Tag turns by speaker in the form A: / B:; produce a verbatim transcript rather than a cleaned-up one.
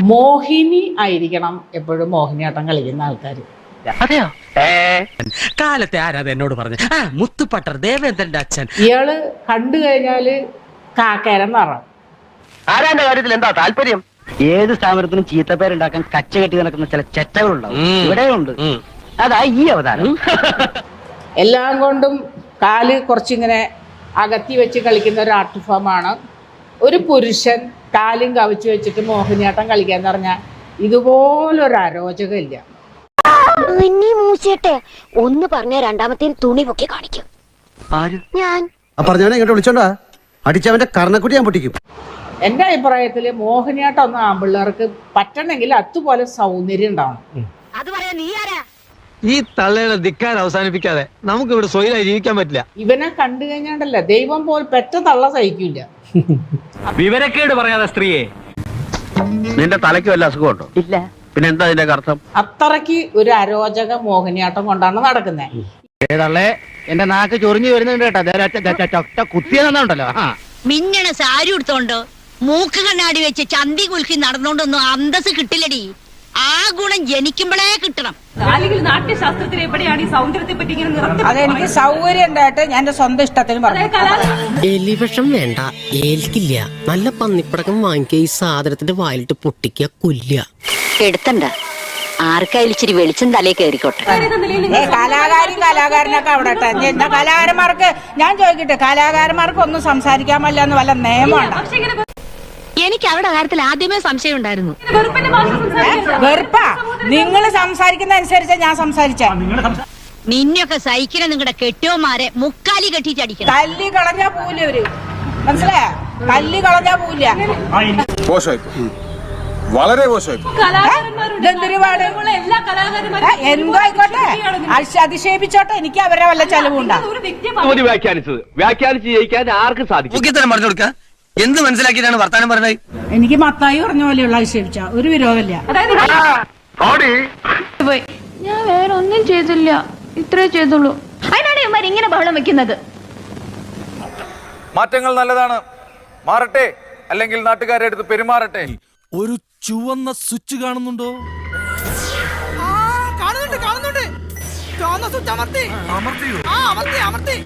A: മോഹിനി ആയിരിക്കണം എപ്പോഴും മോഹിനിയാട്ടം കളിക്കുന്ന ആൾക്കാർ.
B: അതെയോ? കാലത്തെ ആരാത് എന്നോട് പറഞ്ഞു? ആ മുത്തുപട്ടർ ദേവേന്ദ്രന്റെ അച്ഛൻ.
A: ഇയാള് കണ്ടു കഴിഞ്ഞാല് കാക്കേരം നിറം.
C: ആരാന്റെ കാര്യത്തിൽ എന്താ താല്പര്യം? ഏത് സ്ഥാപനത്തിനും ചീത്തപ്പേരുണ്ടാക്കാൻ കച്ച കെട്ടി നടക്കുന്ന ചില ചെറ്റകളുണ്ടാവും, ഇവിടെയുണ്ട്. അതാ ഈ അവതാരം.
A: എല്ലാം കൊണ്ടും കാല് കുറച്ചിങ്ങനെ അകത്തി വെച്ച് കളിക്കുന്ന ഒരു ആർട്ട് ഫോമാണ്. ഒരു പുരുഷൻ കാലും കവിച്ചു വെച്ചിട്ട് മോഹിനിയാട്ടം കളിക്കാന്ന് പറഞ്ഞാൽ ഇതുപോലൊരു അരോചകമില്ല.
D: ഒന്ന് പറഞ്ഞ രണ്ടാമത്തെ തുണി പൊക്കി കാണിക്കും. ഞാൻ
E: പറഞ്ഞവനെ ഇങ്ങോട്ട് വിളിച്ചോണ്ടാ അടിച്ചവന്റെ കർണക്കുട്ടി ഞാൻ പൊട്ടിക്കും.
A: എൻ്റെ അഭിപ്രായത്തിൽ മോഹിനിയാട്ടം ഒന്നും ആമ്പിള്ളേർക്ക് പറ്റണമെങ്കിൽ അതുപോലെ സൗന്ദര്യം ഉണ്ടാവണം.
D: അത് പറയാ നീ ആരാ?
F: ഈ തള്ളയുടെ ധിക്കാരം അവസാനിപ്പിക്കാതെ നമുക്ക് ഇവിടെ സ്വൈരായി ജീവിക്കാൻ പറ്റില്ല.
A: ഇവനെ കണ്ടു കഴിഞ്ഞാണ്ടല്ല ദൈവം പോൽ പെറ്റ തള്ള സഹിക്കില്ല.
B: വിവരക്കേട് പറയാതെ സ്ത്രീയെ.
C: നിന്റെ തലയ്ക്ക് വല്ല അസുഖമുണ്ടോ? ഇല്ല. പിന്നെ എന്താ അതിന്റെ അർത്ഥം?
A: അത്രയ്ക്ക് ഒരു അരോചക മോഹിനിയാട്ടം കൊണ്ടാണ് നടക്കുന്നത്.
C: എന്റെ നാക്ക് ചൊറിഞ്ഞു വരുന്നുണ്ട് കേട്ടോ. കുത്തിയെന്നുണ്ടല്ലോ.
D: മിന്നണ സാരി എടുത്തോണ്ട് മൂക്ക് കണ്ണാടി വെച്ച് ചന്തി കുലുക്കി നടന്നോണ്ടൊന്നും അന്തസ് കിട്ടില്ലടി. ആ ഗുണം ജനിക്കുമ്പോഴേ കിട്ടണം.
G: നാട്യശാസ്ത്രത്തിൽ എവിടെയാണ് ഈ സൗന്ദര്യത്തെ പറ്റി ഇങ്ങനെ?
A: അതെനിക്ക് സൗകര്യം ഉണ്ടായിട്ട് ഞാൻ എന്റെ സ്വന്തം ഇഷ്ടത്തിന് പറഞ്ഞു.
H: എലിവിഷം വേണ്ട, ഏൽക്കില്ല. നല്ല പന്നിപ്പടക്കം വാങ്ങിക്കുക, ഈ സാധനത്തിന്റെ വായിലിട്ട് പൊട്ടിക്കുക, കൊല്ലുക.
D: എടുത്തണ്ട ആർക്കായാലും ഇച്ചിരി വെളിച്ചം തലേ കയറിക്കോട്ടെ.
A: കലാകാരും കലാകാരനൊക്കെ അവിടെ എന്താ കലാകാരന്മാർക്ക് ഞാൻ ചോദിക്കട്ടെ, കലാകാരന്മാർക്ക് ഒന്നും സംസാരിക്കാൻ പറ്റില്ല എന്ന് വല്ല നിയമമുണ്ടോ?
D: എനിക്ക് അവരുടെ കാര്യത്തിൽ ആദ്യമേ സംശയം ഉണ്ടായിരുന്നു.
A: വെറുപ്പാ നിങ്ങൾ സംസാരിക്കുന്ന അനുസരിച്ച് ഞാൻ സംസാരിച്ച.
D: നിന്നൊക്കെ സഹിക്കുന്ന നിങ്ങളുടെ കെട്ടിയോമാരെ മുക്കാലി കെട്ടിച്ചടിക്കണം.
A: തല്ലി കളഞ്ഞാ പോവില്ല അവര്, മനസ്സിലായ? തല്ലി കളഞ്ഞാ പോവില്ല.
I: വളരെ മോശമായി.
A: എന്തോ ആയിക്കോട്ടെ, അതിശയിപ്പിച്ചോട്ടെ, എനിക്ക് അവരെ വല്ല ചെലവുണ്ടാകും.
C: വ്യാഖ്യാനിച്ചത് വ്യാഖ്യാനിച്ച് ജയിക്കാൻ ആർക്കും സാധിക്കും.
F: പറഞ്ഞു കൊടുക്ക. എന്ത് മനസ്സിലാക്കിയിട്ടാണ് വർത്താനം പറഞ്ഞത്?
A: എനിക്ക് മത്തായി പറഞ്ഞ പോലെയുള്ള അതിശയിപ്പിച്ച ഒരു വിരോധമില്ല.
G: ഞാൻ വേറെ ഒന്നും ചെയ്തില്ല, ഇത്രേ ചെയ്തുള്ളൂ. അതിനാണ് ഇവന്മാർ ഇങ്ങനെ ബഹളം വെക്കുന്നത്.
I: മാറ്റങ്ങൾ നല്ലതാണ്, മാറട്ടെ, അല്ലെങ്കിൽ നാട്ടുകാരെ അടുത്ത് പെരുമാറട്ടെ.
F: ഒരു ചുവന്ന സ്വിച്ച് കാണുന്നുണ്ടോ?
J: കാണുന്നുണ്ട് കാണുന്നുണ്ട്. ചുവന്ന സ്വിച്ച് അമർത്തി. അമർത്തിയോ? ആ അമർത്തി അമർത്തി.